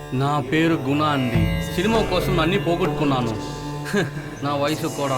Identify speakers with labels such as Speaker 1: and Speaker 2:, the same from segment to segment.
Speaker 1: నా పేరు గుణ అండి. సినిమా కోసం అన్నీ పోగొట్టుకున్నాను. నా వయసు కూడా.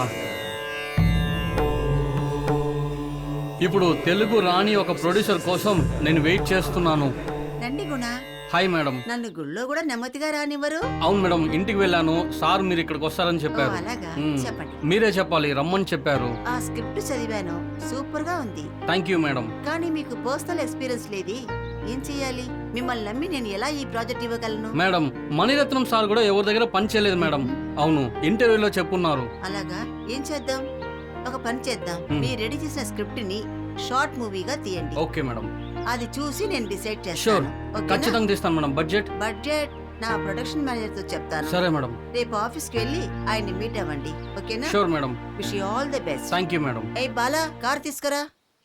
Speaker 1: ఇప్పుడు తెలుగు రాని ఒక ప్రొడ్యూసర్ కోసం నేను వెయిట్ చేస్తున్నాను.
Speaker 2: రండి గుణ.
Speaker 1: Hi madam.
Speaker 2: నన్ను గుళ్ళో కూడా నెమ్మదిగా రానివ్వరు.
Speaker 1: అవును మేడం, ఇంటికి వెళ్ళాను. సార్ మీరు ఇక్కడికి వస్తారని చెప్పారు.
Speaker 2: అలాగా, చెప్పండి.
Speaker 1: మీరే చెప్పాలి, రమ్మని చెప్పారు.
Speaker 2: ఆ స్క్రిప్ట్ చదివాను, సూపర్ గా ఉంది.
Speaker 1: Thank you madam.
Speaker 2: కానీ మీకు పర్సనల్ ఎక్స్పీరియన్స్ లేది. ఏం చెయ్యాలి? మిమ్మల్ని నమ్మి నేను ఎలా ఈ ప్రాజెక్ట్ ఇవ్వగలను?
Speaker 1: మేడం, మణిరత్నం సార్ కూడా ఎవరి దగ్గర పని చేయలేదు మేడం. అవును, ఇంటర్వ్యూలో చెప్పున్నారు.
Speaker 2: అలాగా, ఏం చేద్దాం? ఒక పని చేద్దాం. మీరు రెడీ చేసిన స్క్రిప్ట్ ని షార్ట్ మూవీగా తీయండి.
Speaker 1: Okay madam.
Speaker 2: అది చూసి నేను డిసైడ్
Speaker 1: షూర్,
Speaker 2: చేస్తాను. ఓకేనా?
Speaker 1: ఖచ్చితంగా తీస్తాను మేడం. బడ్జెట్
Speaker 2: నా ప్రొడక్షన్ మేనేజర్ తో చెప్తాను.
Speaker 1: సరే మేడం.
Speaker 2: రేపు ఆఫీస్ కి వెళ్ళి ఆయన్ని మీట్ అవ్వండి. ఓకేనా?
Speaker 1: Sure madam.
Speaker 2: Wish you all the best.
Speaker 1: Thank you madam.
Speaker 2: ఏ బాలా, కార్ తీసుకురా.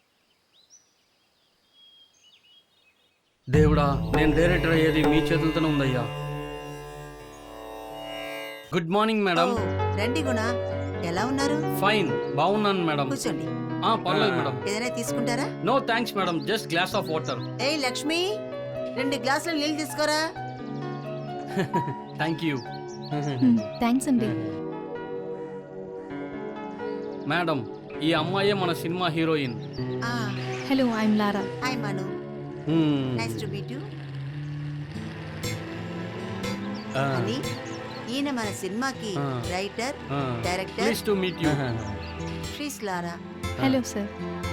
Speaker 1: దేవుడా, నేను డైరెక్టర్ అయ్యేది మీ చేతులతోనే ఉందయ్యా. Good morning madam.
Speaker 2: ఓ, రండి గుణ. ఎలా ఉన్నారు?
Speaker 1: ఫైన్, బాగున్నాను మేడం.
Speaker 2: కూర్చోండి.
Speaker 1: పర్లేదు మేడం.
Speaker 2: ఏదైనా తీసుకుంటారా?
Speaker 1: No thanks madam, just glass of water.
Speaker 2: ఏ లక్ష్మి, 2 గ్లాసులు నీళ్ళు తీసుకోరా.
Speaker 1: Thank you.
Speaker 3: థ్యాంక్స్ అండి.
Speaker 1: మేడం, ఈ అమ్మాయే మన cinema heroine.
Speaker 3: Hello, I'm Lara.
Speaker 2: Hi Manu, nice to meet you. అని ఈయన మన సినిమాకి writer, director.
Speaker 1: Nice to meet you.
Speaker 2: శ్రీస్ లారా.
Speaker 3: Hello sir.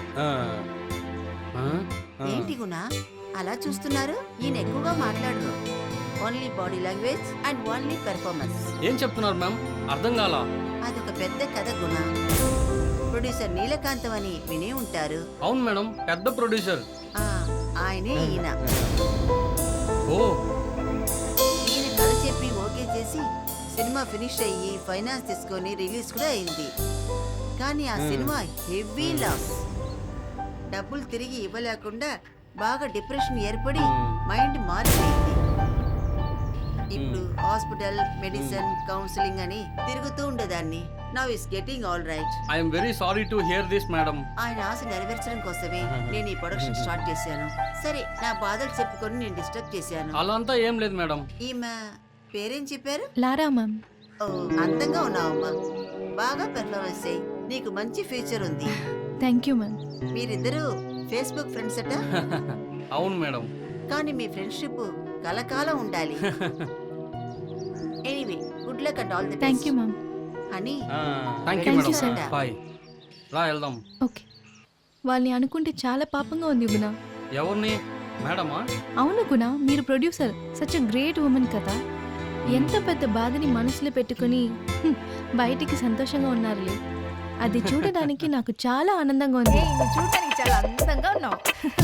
Speaker 2: ఏంటి గుణ అలా చూస్తున్నారు? ఈయన ఎక్కువగా మాట్లాడరు. Only body language and only performance.
Speaker 1: ఏం చెప్తున్నారు మ్యామ్? అర్థం కాలా.
Speaker 2: అదొక పెద్ద కథ గుణ. ప్రొడ్యూసర్ నీలకాంతం అని వినే ఉంటారు.
Speaker 1: అవును మేడం, పెద్ద ప్రొడ్యూసర్.
Speaker 2: ఆయనే ఈయన.
Speaker 1: ఓ,
Speaker 2: ఈయన కథ చెప్పి ఓకే చేసి సినిమా ఫినిష్ అయ్యి ఫైనాన్స్ తీసుకొని రిలీజ్ కూడా అయింది. కానీ ఆ సినిమా హెవీ లాస్. డబ్బులు తిరిగి ఇవ్వలేకుండా బాగా డిప్రెషన్ ఏర్పడి మైండ్ మారిపోయింది. ఇప్పుడు హాస్పిటల్, మెడిసిన్, కౌన్సిలింగ్ అని తిరుగుతూ ఉండేదాన్ని. Now is getting all right.
Speaker 1: I'm very sorry to hear this madam.
Speaker 2: ఆయన ఆశ నెరవేర్చడం కోసమే నేను ఈ ప్రొడక్షన్ స్టార్ట్ చేశాను. సరే, నా బాధలు చెప్పుకొని నేను డిస్టర్బ్ చేశాను.
Speaker 1: అలా అంతా ఏం లేదు మేడం.
Speaker 2: ఈమె పేరేం చెప్పారు?
Speaker 3: లారా మ్యామ్.
Speaker 2: ఓ, అందంగా ఉన్నావమ్మా. బాగా పెర్ఫార్మెన్స్ చేయి. నీకు మంచి ఫ్యూచర్ ఉంది.
Speaker 3: Thank you ma'am.
Speaker 2: మీరిద్దరూ ఫేస్బుక్ ఫ్రెండ్స్ అట.
Speaker 1: అవును మేడం.
Speaker 2: కానీ మీ ఫ్రెండ్షిప్ కలకాలం ఉండాలి. Anyway, good luck and all the best.
Speaker 3: Thank you ma'am.
Speaker 2: అని
Speaker 1: thank you
Speaker 3: Thank
Speaker 1: madam.
Speaker 3: you, sir.
Speaker 1: Bye. రా వెళ్దాం.
Speaker 3: ఓకే. వాళ్ళని అనుకుంటే చాలా పాపంగా ఉంది గుణ.
Speaker 1: ఎవరిని? మేడమా?
Speaker 3: అవును గుణ, మీరు producer, such a great woman కదా. ఎంత పెద్ద బాధని మనసులో పెట్టుకుని బయటికి సంతోషంగా ఉన్నారులే. అది చూడడానికి నాకు చాలా ఆనందంగా ఉంది.
Speaker 4: చూడటానికి చాలా అందంగా ఉన్నావు.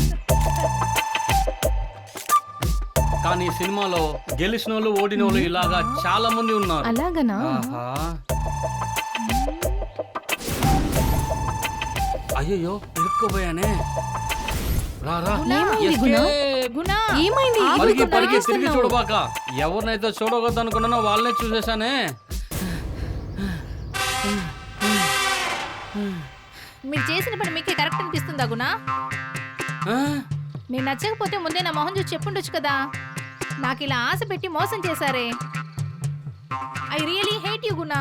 Speaker 1: కానీ సినిమాలో గెలిచిన వాళ్ళు, ఓడిన వాళ్ళు ఇలాగా చాలా మంది ఉన్నారు.
Speaker 3: అలాగనా?
Speaker 1: ఆహా. అయ్యో, ఇరుక్కుపోయానే. రారా.
Speaker 3: ఏమైంది గుణ?
Speaker 4: గుణ,
Speaker 3: ఏమైంది?
Speaker 1: పరిగి
Speaker 3: ఎందుకు
Speaker 1: పరిగి తిరిగి
Speaker 3: పరిగెడుతున్నావు?
Speaker 1: చూడబాక. ఎవరినైతే చూడవద్దు అనుకున్నానో వాళ్ళనే చూసేశానే.
Speaker 4: మీరు చేసిన పని మీకే కరెక్ట్ అనిపిస్తుందా గుణ?
Speaker 1: ఆ?
Speaker 4: మీరు నచ్చకపోతే ముందే నా మొహం చూసి చెప్పుండొచ్చు కదా. నాకు ఇలా ఆశ పెట్టి మోసం చేశారే. I really hate you Guna.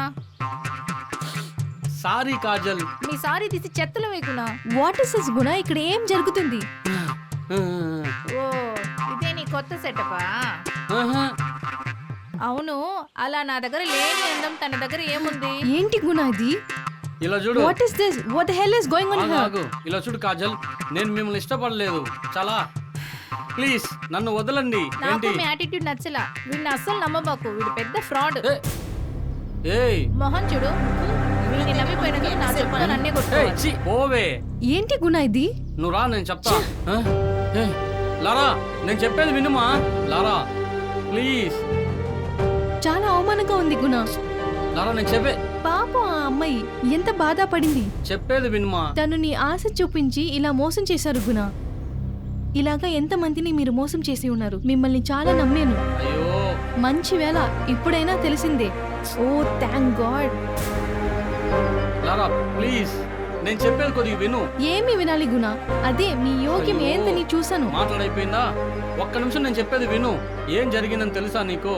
Speaker 1: Sorry Kajal.
Speaker 4: మీ సారీ తీసి చెత్తలో వే గుణ.
Speaker 3: వాట్ ఇస్ దిస్ గుణ? ఇక్కడ ఏం జరుగుతుంది?
Speaker 4: ఓ, ఇదే నీ కొత్త సెటపా?
Speaker 1: ఆహా.
Speaker 4: అవును, అలా నా దగ్గర లేని అందం తన దగ్గర ఏముంది?
Speaker 3: ఏంటి గుణ ఇది?
Speaker 1: ఇలా చూడు.
Speaker 3: What is this? What the hell is going on here?
Speaker 1: ఆగు. ఇలా చూడు కాజల్, నేను మిమ్మల్ని ఇష్టపడలేదు. చాలా ప్లీజ్ నన్ను వదలండి.
Speaker 4: నాకు
Speaker 1: ఏంటి?
Speaker 4: మీ యాటిట్యూడ్ నచ్చలా. వీడిని అస్సలు నమ్మబాకు, వీడు పెద్ద ఫ్రాడ్.
Speaker 1: ఏయ్,
Speaker 4: మొహం చూడు. వీడిని నమ్మిపోయినందుకు నా చెప్పులు నన్నే
Speaker 1: ఏయ్,
Speaker 4: కొట్టుకోవాలి.
Speaker 1: ఛీ, పోవే.
Speaker 3: ఏంటి గుణ ఇది?
Speaker 1: నువ్వు రా, నేను చెప్తా. ఆ? ఏయ్, లారా, నేను చెప్పేది వినుమా. Lara please.
Speaker 3: చాలా అవమానంగా ఉంది గుణ.
Speaker 1: లారా, నేను చెప్పే
Speaker 3: పాపం ఆ అమ్మాయి ఎంత బాధపడింది.
Speaker 1: చెప్పేది వినుమా.
Speaker 3: తను నీ ఆశ చూపించి ఇలా మోసం చేశారు గుణ. ఇలాగా ఎంతమందిని మీరు మోసం చేసి ఉన్నారు. మిమ్మల్ని చాలా నమ్మాను.
Speaker 1: అయ్యో,
Speaker 3: మంచి వేళ ఇప్పుడైనా తెలిసిందే. Oh thank god.
Speaker 1: Lara please, నేను చెప్పేది కొద్దిగా విను.
Speaker 3: ఏమి వినాలి గుణ? అదే మీ యోగ్యం ఏందని చూసాను.
Speaker 1: మాట్లాడైపోయిందా? ఒక్క నిమిషం నేను చెప్పేది విను. ఏం జరిగిందని తెలుసా నీకు?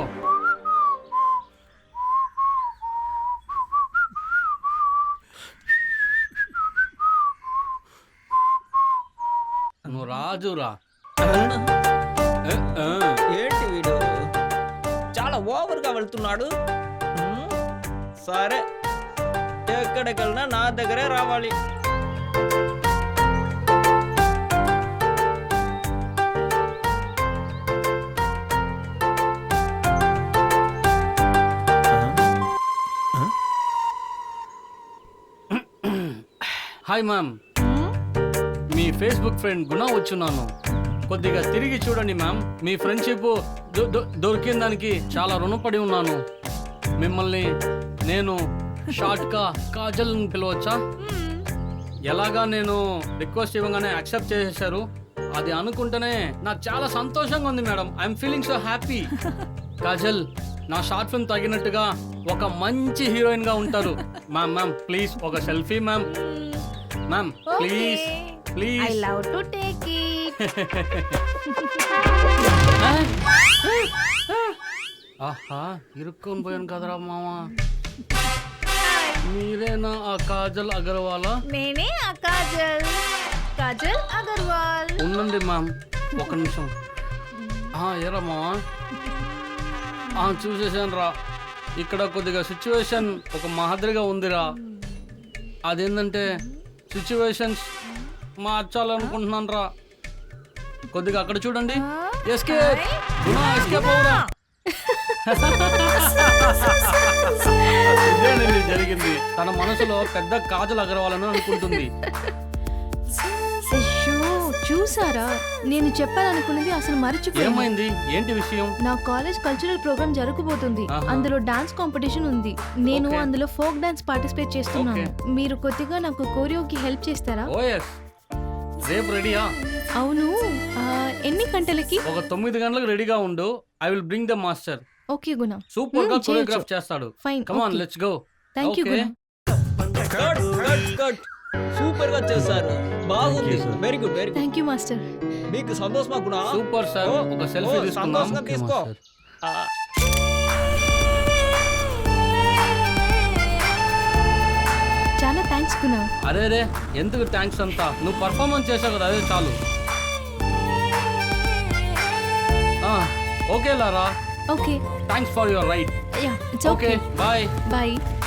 Speaker 1: నువ్వు రాజురా.
Speaker 5: ఏంటి వీడు చాలా ఓవర్గా వెళ్తున్నాడు. సరే, ఎక్కడికెళ్ళినా నా దగ్గరే రావాలి.
Speaker 1: హాయ్ మ్యామ్, మీ ఫేస్బుక్ ఫ్రెండ్ గుణ వచ్చున్నాను. కొద్దిగా తిరిగి చూడండి మ్యామ్. మీ ఫ్రెండ్షిప్ దొరికిన దానికి చాలా రుణపడి ఉన్నాను. మిమ్మల్ని నేను షార్ట్గా కాజల్ అని పిలవచ్చా? ఎలాగా నేను రిక్వెస్ట్ ఇవ్వగానే యాక్సెప్ట్ చేసేసారు. అది అనుకుంటేనే నాకు చాలా సంతోషంగా ఉంది madam. I'm feeling so happy. Kajal నా షార్ట్ ఫిల్మ్ తగినట్టుగా ఒక మంచి హీరోయిన్ గా ఉంటారు. మ్యామ్ మ్యామ్ ప్లీజ్ ఒక selfie ma'am. Ma'am please
Speaker 4: I
Speaker 1: please.
Speaker 4: Love to take it.
Speaker 1: ఆహా, ఇరుక్కొని పోయాను కదరా మామ. మీరేనా ఆ కాజల్ అగర్వాలా?
Speaker 4: నేనే ఆ కాజల్, కాజల్ అగర్వాల్.
Speaker 1: ఉండండి మ్యామ్ ఒక నిమిషం. ఏరా మావా, చూసేసాను రా. ఇక్కడ కొద్దిగా సిచ్యువేషన్ ఒక మాదిరిగా ఉందిరా. అదేంటంటే సిచ్యువేషన్స్ మార్చాలనుకుంటున్నాను రా. కొద్దిగా అక్కడ చూడండి. ఎస్కేప్ ఎస్కేప్ అవురా. ఇదేనండి జరిగింది. తన మనసులో పెద్ద కాజల్ అగర్వాలని అనుకుంటుంది.
Speaker 3: అయ్యో, చూసారా, నేను చెప్పాలనుకున్నది అసలు మర్చిపోయాను.
Speaker 1: ఏమైంది? ఏంటి విషయం?
Speaker 3: నా కాలేజ్ కల్చరల్ ప్రోగ్రామ్ జరగబోతుంది.
Speaker 1: ఆహా.
Speaker 3: అందులో డాన్స్ కాంపిటీషన్ ఉంది. నేను
Speaker 1: ఓకే.
Speaker 3: అందులో ఫోక్ డాన్స్ పార్టిసిపేట్ చేస్తున్నాను. మీరు కొద్దిగా నాకు కోరియోకి హెల్ప్ చేస్తారా?
Speaker 1: ఓఎస్, రేపు రెడీయా?
Speaker 3: అవును, ఎన్ని గంటలకి?
Speaker 1: ఒక 9 గంటలకు రెడీగా ఉండు. I will bring the master.
Speaker 3: Okay Guna,
Speaker 1: super గా
Speaker 3: చేయొచ్చు.
Speaker 1: కొరియోగ్రాఫ్ చేస్తాడు.
Speaker 3: Fine.
Speaker 1: Come on, let's go.
Speaker 3: Thank you Guna.
Speaker 5: Super గా చేశారు. బాగుంది.
Speaker 1: Thank you, sir.
Speaker 5: Very good, very good.
Speaker 3: Thank you master.
Speaker 5: మీకు సంతోషమా గుణ?
Speaker 1: Super sir. ఒక సెల్ఫీ
Speaker 5: ఓ,
Speaker 1: తీసుకుందాం.
Speaker 5: సంతోషంగా తీసుకో. ఆ,
Speaker 3: చాలా థ్యాంక్స్ గుణ.
Speaker 1: అరే రే, ఎందుకు థ్యాంక్స్ అంతా? నువ్వు పర్ఫార్మెన్స్ చేసావు కదా, అదే చాలు. Okay Lara,
Speaker 3: okay,
Speaker 1: thanks for your right.
Speaker 3: Yeah, it's
Speaker 1: okay
Speaker 3: okay.
Speaker 1: Bye.
Speaker 3: Bye.